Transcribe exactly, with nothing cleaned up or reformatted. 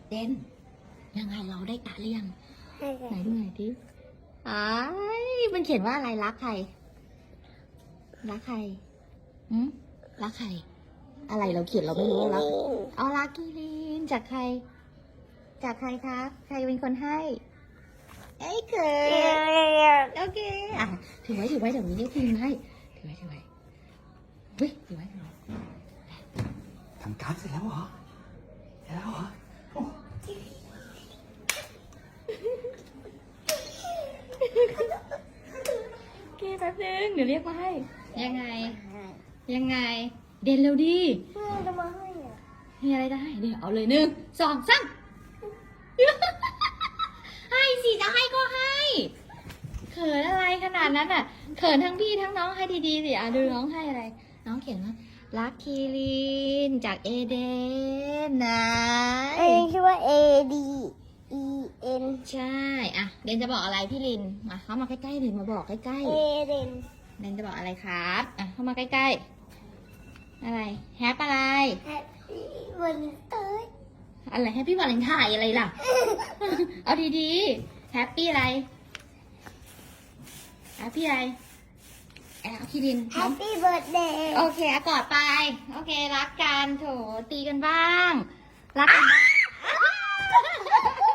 เดนยังไงเราได้การ์ดหรือยังให้ไหนดูหน่อยดิอ้ายมันเขียนว่าอะไรรักใครรักใครอืมรักใครอะไรเราเขียนเราไม่รู้ว่ารักเอารักกีรินจากใคร จากใครครับ ใครเป็นคนให้เอ้ยเกิดโอเคอ่ะถือไว้ถือไว้เดี๋ยวนี้เรียกพิมพ์ให้ถือไว้ถือไว้เฮ้ยถือไว้ถือไว้ทำการ์ดเสร็จแล้วเหรอเสร็จแล้วเหรอโอ้โอเคแป๊บนึงเดี๋ยวเรียกมาให้ ยังไง ยังไง เด่นเร็วดิเพื่อนจะมาให้อ่ะมีอะไรจะให้เดี๋ยวเอาเลยหนึ่งสองสาม ให้สิจะให้ก็ให้เขินอะไรขนาดนั้นอ่ะเขินทั้งพี่ทั้งน้องให้ดีๆสิอ่ะดูน้องให้อะไร น้องเขียนว่ารักคีรินจากเอเดนนะเองชื่อว่า A D E N ใช่อ่ะเดนจะบอกอะไรพี่ลินมาเข้ามาใกล้ๆลินมาบอกใกล้เอๆเดนเดนจะบอกอะไรครับอ่ะเข้ามาใกล้ๆอะไรแฮปอะไรแฮปปี้วันเตอร์อะไรแฮปปี้วาเลนไทน์อะไรล่ะ เอาดีๆแฮปปี้อะไรแฮปปี้อะไรแอบพี่ดินแฮปปี้เบิร์ดเดย์โอเคอ่ะกอดไป โอเค รักกันโถตีกันบ้าง รักกันบ้าง